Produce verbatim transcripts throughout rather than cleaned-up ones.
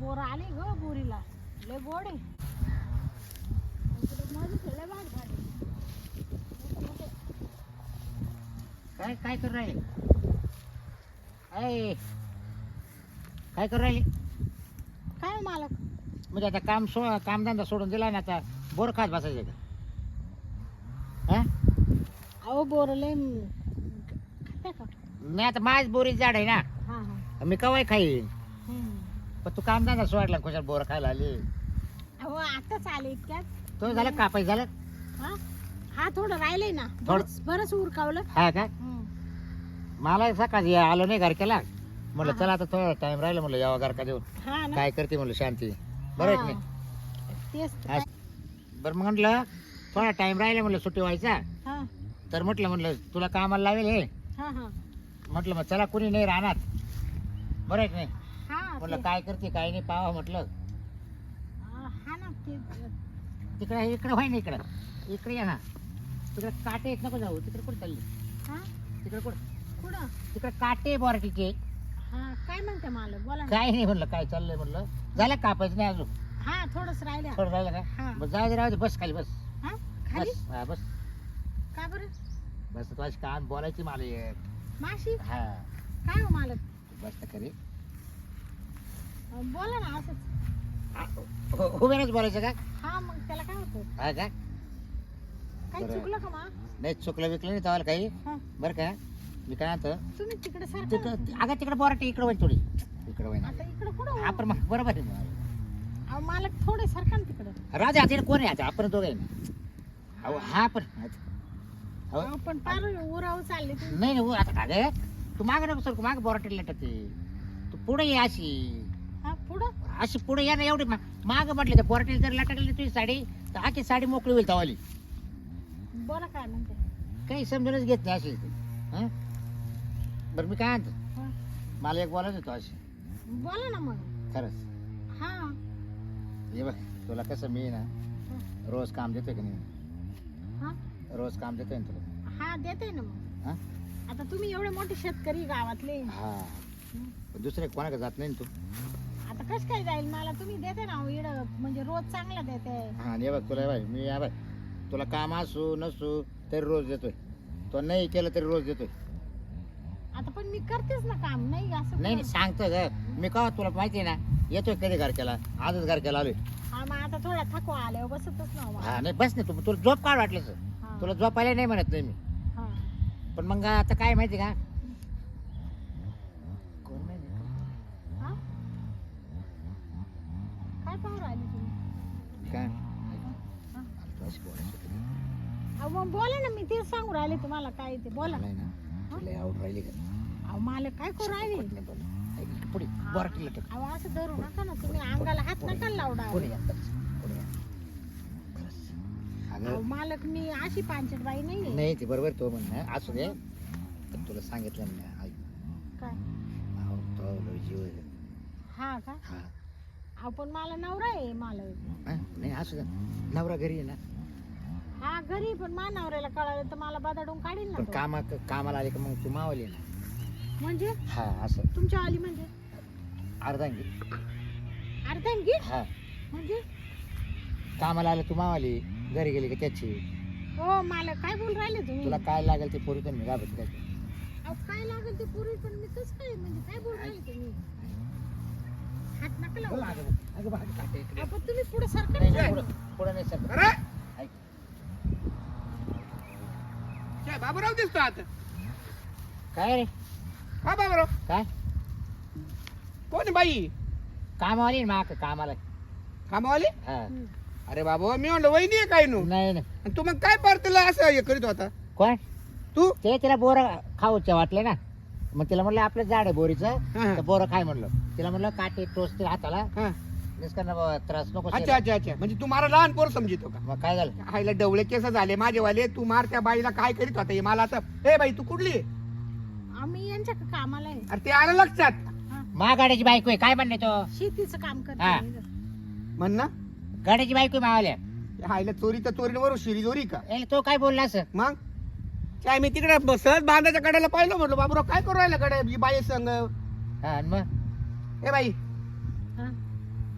Bore आले ग बोरीला लय गोड आहे. इकडे माझी लय भाग झाली. काय काय करू राहिले ऐ काय करू राहिले काय हो मालक म्हणजे आता काम सो कामधंदा सोडून दिला ना आता बोर खात बसायचं का हा अहो बोर लय खाते का? नाही आता माझ बोरीच झाड आहे ना हा हा मी कवाय खाईन हम्म. पण तू कामधंदा सोडला खुशाल बोर खायला आली अहो आताच आले इतक्यात. तो झालं कापाय झालं हा हा थोडं राहिलंय ना थोडं- बरंच बरंच उरकावलं. हा का हम्म. मला सकाळी आलो नाही घर केला म्हणलं हा. चला आता थोडा टाइम राहिला म्हणलं यावा घर का देऊन हा ना काय करते म्हणलं शांती बरं आहे की हा. तेच तर नाही काय. बरं मग म्हटलं थोडा टाइम राहिला म्हणलं सुट्टी व्हायचा हा तर म्हटलं म्हणलं तुला कामाला लावेल हे हा हा म्हटलं मग चला कुणी नाही राहणार बरं आहे की नाही हा म्हटलं ते- काय करते काय नाही पावा म्हटलं हा ना ते तिकडे इकडे व्हाय ना इकडं इकडे या ना तिकडे काटे येत नको जाऊ तिकडे कुठे चालली हा तिकडे कुठं कुठं तिकडे काटे बोराटीचे हा काय म्हणते मालक बोला ना. काय नाही म्हणलं काय चाललंय म्हणलं झालं कापायचं नाही अजून हा थोडंच राहिलं. थोडं राहिलं हा. का बस जाऊ दे राहू दे बस खाली बस हा खाली बस हा बस का बरं बस तुझी काम बोलायची मला एक. माशी हा काय हो मालक बस तर खरी अं, बोला ना असंच. उभेच बोलायचं का हा मग त्याला काय होतं हा का काही बरं. चुकलं का मा नाही चुकलं विकलं नाही तवाला काही हा बरं का मी काय म्हणतो तुम्ही तिकडे सारखं तिकडं अगं तिकडे बोराटी इकडे होईल थोडी इकडे होईल आता इकडे कुठं आपण मग बरोबर आहे मग. अहो मालक थोडे सारखं ना तिकडे. राजा आता कोण आहे आता आपण दोघं आहे ना अहो हा पण अहो, अहो पण पार उराव चालले तुम्ही. नाही नाही आता का गे तू माग नको सर माग बोराटी लटकते तू पुढे ये अशी हा पुढं अशी पुढे या ना एवढी माग म्हटले तर बोराटीला जर लटकली तुझी साडी तर आखी साडी मोकळी होईल तवाली बोला काय म्हणते. काही समजूनच घेत नाही अशी हं? बरं मी काय म्हणतो हा. मला एक बोलायचं होतं अशी बोला ना मग. खरंच हा हे बघ तुला कसं मी ना रोज काम देतोय की नाही हा रोज काम देतोय ना तुला हा देते ना मग. हा आता तुम्ही एवढे मोठे शेतकरी गावातले हा पण दुसरे कोणाकडे जात नाही ना तू आता कस काय जाईल मला तुम्ही देते ना इड म्हणजे रोज चांगला देते. हा आणि हे बघ तुला हे बघ मी या बघ तुला काम असू नसू तरी रोज देतोय तो नाही केलं तरी रोज देतोय आता पण मी करतेच ना काम नाही असं नाही नाही कुठं. सांगतो ग मी का तुला माहिती आहे ना येतोय कधी घर केला आजच घर केला आलोय हा मग आता थोडा थकवा आल्यावर बसतच ना मला. हा नाही बस नाही तू तुला झोप काढ वाटलं हा. तुला झोपायला नाही म्हणत नाही मी हा. पण मग आता काय माहिती का कोण माहिती का? हा? काय पाहू राहिले तुम्ही. काय हा? तू अशी बोलायची होती ना. अहो मग बोला ना मी तेच सांगू राहिले तुम्हाला काय ते बोला. मला आहे ना तुला आवड राहिली का अहो मला काय करू राहिले. पट नाही बोल. ऐक, पुढे बोराटी लटक अहो असं धरू नका ना तुम्ही अंगाला हात नका लावडा. पुढे या बस, पुढे या. खरंच. अहो अगं मालक मी अशी पांचट बाई नाही. नाही ते बरोबर तो म्हणणं असू दे पण तुला सांगितलं ना ऐक काय अहो, तो लय जीव आहे. हा का हा अहो पण मला नवरा आहे मालक. हा? नाही असू दे नवरा घरी आहे ना हा घरी पण मा नवऱ्याला कळालं तर मला बदाडून काढील ना पण तो. कामा कामाला आले का मग तू मावली ना म्हणजे हा असं तुमच्या आली म्हणजे अर्धांगी अर्धांगी हा म्हणजे कामाला आलं तू मावाली घरी गेली का त्याची हो मालक काय बोल राहिले तुम्ही. तुला काय लागेल ते पोरी तर मी गाभत काय अहो काय लागेल ते पूर्वी पण मी कसं काय म्हणजे काय बोल राहिले तुम्ही. हात नका लावू. अगं बाहेर काटे इकडे. अहो, पण तुम्ही पुढे सारखं नाही, नाही नाही, जात. पुढं- पुढं नाही सर अरे ऐक. काय बाबूराव दिसतो आता काय रे हा बाबूराव काय कोण आहे बाई कामावाली ना माक कामाला कामावाली हा हम्म. अरे बाबा मी म्हणलं वहिनी आहे काय नो नाही नाही आणि तू मग काय परतला असं हे करीत होता कोण तू ते तिला बोर खाऊचे वाटले ना मग तिला म्हणलं आपलं झाड आहे बोरीचं हा, हा. तर बोरं खाय म्हणलं तिला म्हणलं काटे टोचते हाताला हा. निष्करण बाबा त्रास नको अच्छा शेला. अच्छा अच्छा म्हणजे तू मला लहान पोर समजितो का मग काय झालं आईला डवळे केस झाले माझेवाले तू मार त्या बाईला काय करीत होता हे मला आता ए बाई तू कुठली आहे? आम्ही यांच्या कामाला आहे. अरे ते आलं लक्षात हा. मा गाड्याची बायको आहे काय म्हणणे तो शेतीचं काम हा. करते. म्हण ना गाड्याची बायको आहे मावाल्या आईला चोरी तर चोरीवर शिरी चोरी का ए, तो काय बोलला असं मग काय मी तिकडे सहज बांधाच्या कड्याला पाहिलं म्हटलं बाबूराव काय करू राहिला कडे ही बाई संग हा आणि मग ए बाई हा.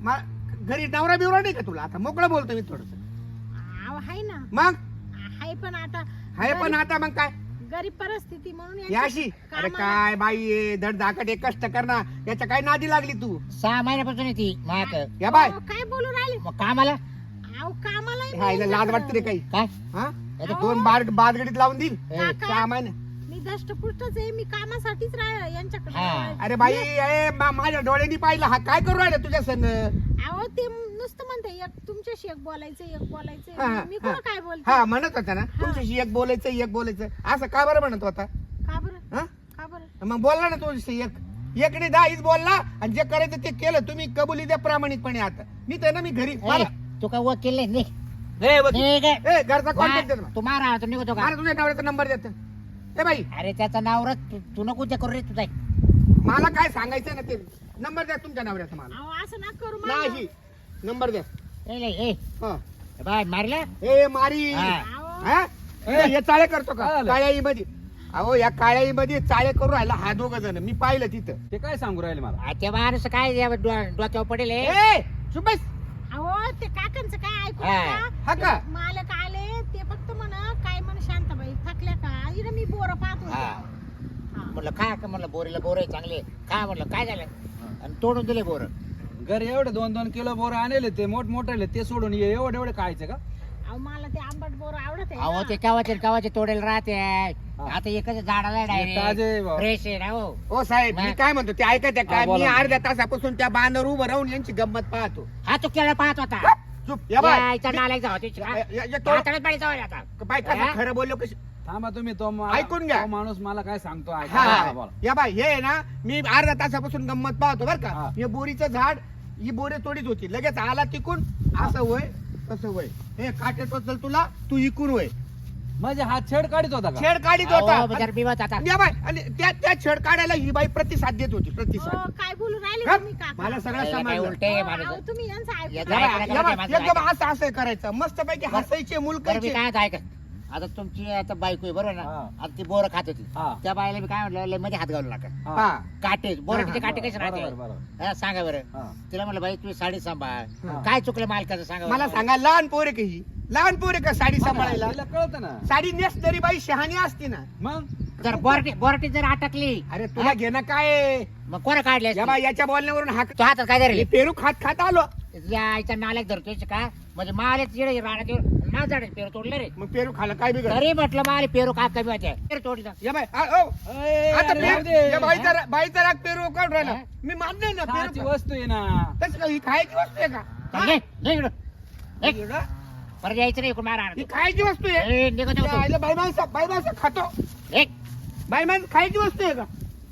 मा- घरी नवरा बिवरा नाही का तुला? आता मोकळं बोलतो मी थोडस. अहो हाय ना, मग हाय पण आता हाय पण आता मग काय गरीब परिस्थिती म्हणून ही यांच्या अशी? अरे कामाला- काय बाई आहे, धड धाकट आहे, कष्ट करणार, याच्या काय नादी लागली तू? सहा महिन्यापासून आहे ती माक या बाय अहो, काय बोलू राहिले? मग कामाला अहो कामाला हायला लाज वाटते रे काही? काय हा आता दोन बार बादगडीत लावून देईल ए, काका, सहा महिने. मी दष्टपुष्टच आहे, मी कामासाठीच राह यांच्याकडे. हा. अरे बाई ए, मा- माझ्या डोळ्यांनी पाहिलं, हा काय करू राहिला तुझ्या संग? अहो ते नुसतं म्हणते एक तुमच्याशी एक बोलायचं एक हा, बोलायचं हा, मी हा. कुठं काय बोलते? हा म्हणत होता ना तुमच्याशी एक बोलायचं एक बोलायचं, असं का बरं म्हणत होता? का बरं हा का बरं मग बोलला ना तुझ्याशी एक एकने दहाच बोलला आणि जे करायचं ते केलं. तुम्ही कबुली द्या प्रामाणिकपणे. आता मी तर ना मी घरी ए, तू काय वकील नाही निघ. ए, वकील. निघ. ए, घरचा कॉन्टॅक्ट देतो तू मारा तू निघतो का मला तुझ्या नवऱ्याचा नंबर देतो. ए बाई अरे त्याचा नावरच तू तू नको ते करू रे तुझा मला काय सांगायचं ना ते नंबर द्या तुमच्या नवऱ्याचा मला. अहो असं ना करू मला. नाही नंबर द्या. ए ले, ए हा. बाय मारला ए मारी हा. अहो, हा? ए, हे चाळे करतो का काय आलं? काळ्याई मध्ये? अहो या काळ्याई मध्ये चाळे करू राहिला हा दोघ जण. मी पाहिलं तिथं. ते काय सांगू राहिले मला? आ, ते माणूस काय या डो- डोक्यावर पडेल हे? ए चुप बस. अहो ते काकांचं काय ऐकू हा. हा नका. का? ते मालक आले ते फक्त म्हण काय म्हण शांताबाई थकल्या का इकडे मी बोर पाहत होते. हा. हा. म्हणलं काय का म्हणलं बोरीला बोर आहे चांगले काय म्हणलं काय झालं आणि तोडून दिले बोर घरी एवढे दोन दोन किलो बोर आणले ते मोठ मोठे ते सोडून ये एवढे एवढे खायचे का? अहो मला ते आंबट बोर आवडत अहो आहे ते ना. केव्हाचे केव्हाचे तोडेल राहते आता एकच झाडाला ताजे आहे डायरेक्ट भाऊ. फ्रेश आहे ना हो ओ साहेब मी नाही. काय म्हणतो ते ऐकत आहे का? हा, बोला मी ना. अर्ध्या तासापासून त्या बांधावर उभं राहून यांची गंमत पाहतो. हा तू केळं पाहत होता चुप या बाय. यायचा नालायक जावा त्याची या- या- या तो- हाताळत पाणी जावं आता बाय कसं हा? खरं बोललो कशी? थांबा तुम्ही तो मा- ऐकून घ्या. तो माणूस मला काय सांगतो ऐका. हा हा, बोला. या बाय हे आहे ना मी अर्ध्या तासापासून गंमत पाहतो बर का. हा. हे बोरीचं झाड ही बोरे तोडीत होती लगेच आला तिकून असं वय तसं वय हे काटे टोचल तुला तू इकून वय म्हणजे हा छेड काढित होता का? छेड काढीत अहो, होता. बिचारा बिवत आता या बाय आणि त्या त्या छेड काढायला ही बाई प्रतिसाद देत होती प्रतिसाद. अहो, काय बोलू राहिले हा? तुम्ही काका? मला सगळं याला काय समजलं. उलटे आहे अहो, माणूस अहो, तुम्ही यांचं ऐकू या या नका. बाय, बाय, काय या बाय, माणसं एकदम असं असं करायचं मस्त पैकी हसायचे बरं मी मुलकायचे. काय आता ऐका आता तुमची आता बायको आहे बरोबर ना हा. आता ती बोर खात होती हा. त्या बायला मी काय म्हटलं लय मध्ये हात घालू नका हा. हा काटे बोराचे हा, काटे कसे राहते बरोबर, बरोबर. हा, सांगा बरं हा. तिला म्हटलं बाई तुम्ही साडी सांभाळ हा. काय चुकलं मालकाचं सांगा मला बरं. सांगा लहान पोरे का ही लहान पोरे का साडी सांभाळायला? तिला कळतं ना. साडी नेसणारी बाई शहाणी असते ना. मग जर बोरटी बोरटी जर अटकली अरे तुला घेणं काय आहे? मग कोणा काढले या बाई याच्या बोलण्यावरून हाक तो हातात काय धरले पेरू खात खात आलो. आईचा नालायक धरतोय का म्हणजे माले चिडे राहण्यात ना झाड पेरू तोडले रे मग पेरू खाला काय बिघड? तरी म्हटलं माले पेरू काय कमी होते पेरू तोडली जा. या बाई आ, ओ, ए, आता अरे पेरू- राहू दे. या बाईचा रा- बाईचा राग पेरू काढून राहिला. हा? मी मान्य आहे ना खायची पेरू वस्तू आहे ना. तसं का? ही खायची वस्तू आहे का? चल घे, घे इकडं. घे. एवढं? परत यायचं नाही इकडून मारा ही खायची वस्तू आहे. ए, निघत या होतो. आईला बाई माणसं बाई माणसं खातो. ए, बाई माणसं खायची वस्तू आहे का?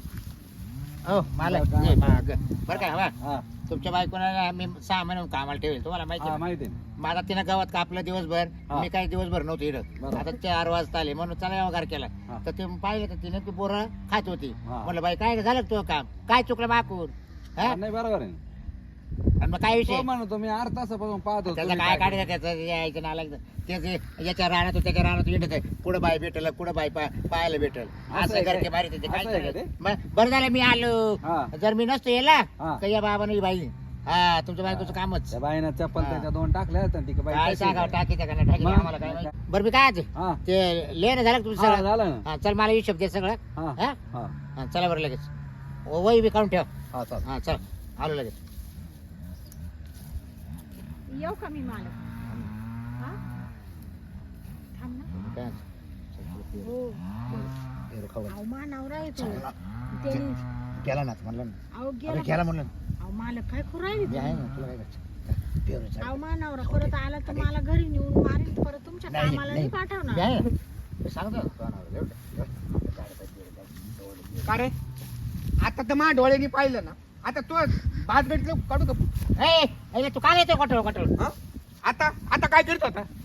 हो मला बरं का? ए, माग. बरं काय हवा हा, तुमच्या बायकोला मी सहा महिने कामाला ठेवेल तुम्हाला माहिती हा, आहे ना? माहिती आहे. माझा तिनं गावात कापलं दिवसभर हा. मी काही दिवसभर नव्हते इकडं बरोबर. आता चार वाजता आले म्हणून चला व्यवहार केला हा. तर ते पाहिलं तर तिने ती बोरं खात होती हा. म्हणलं बाई काय झालं तुझं काम काय चुकलं माकून हा? हा, नाही बरोबर आहे. आणि मग काय विषय तो म्हणतो मी अर्धा तासापासून पाहत होतो त्याचं तुम्ही काय काय काढायचं त्याचं यायचं नालायचं त्याचे याच्या राहण्यात त्याच्या राहण्यात येत आहे पुढे बाय भेटल पुढे बाय पा- पाहायला भेटल असं असं आहे करके काय? मारित ते काय असं आहे का करायचं? मग बरं झालं मी आलो हा. जर मी नसतो येला हा. तर या बाबानं ही बाई हा तुमच्या बायकोचं कामच त्या बाईनं चप्पल हा. त्याच्या दोन टाकल्या होत्या, ती बाई काय कशी सांगावं काय? टाकी त्या टाकी मग? आम्हाला काय माहिती. बरं मी काय आज हा, ते लेणं झालं का तुमचं हा, सगळं झालं ना. हा चल मला हिशोब दे सगळं हा, हा हा, हा, चला बरं लगेच ओ, वही बी काढून ठेव हा, चालेल. हा चल आलो लगेच येऊ का मी मालक? हा? थांब ना. काय हो. पेरू खाऊ घाल. अहो मा नवरा येतो त्यांनी केला ना म्हणलं ना अहो अरे गेला केला म्हणलं अहो मालक काय करू राहिले मी आहे तुम्ही? ना तुला काय करायचं पेरू चाल. अहो मा नवरा परत आला तर मला घरी नेऊन मारेल परत तुमच्या नाही, कामाला नाही. नाही पाठवणार. मी आहे ना. मी सांगतो ना, तुला नाव, एवढं, एवढं. काय पाहिजे, एवढं. का रे आता तर माझ्या डोळ्यांनी पाहिलं ना. आता तू भात भेटलं काढू का? ए, ए, तू काय येतो कटोळ कटोळ हा? आता आता काय करत होता?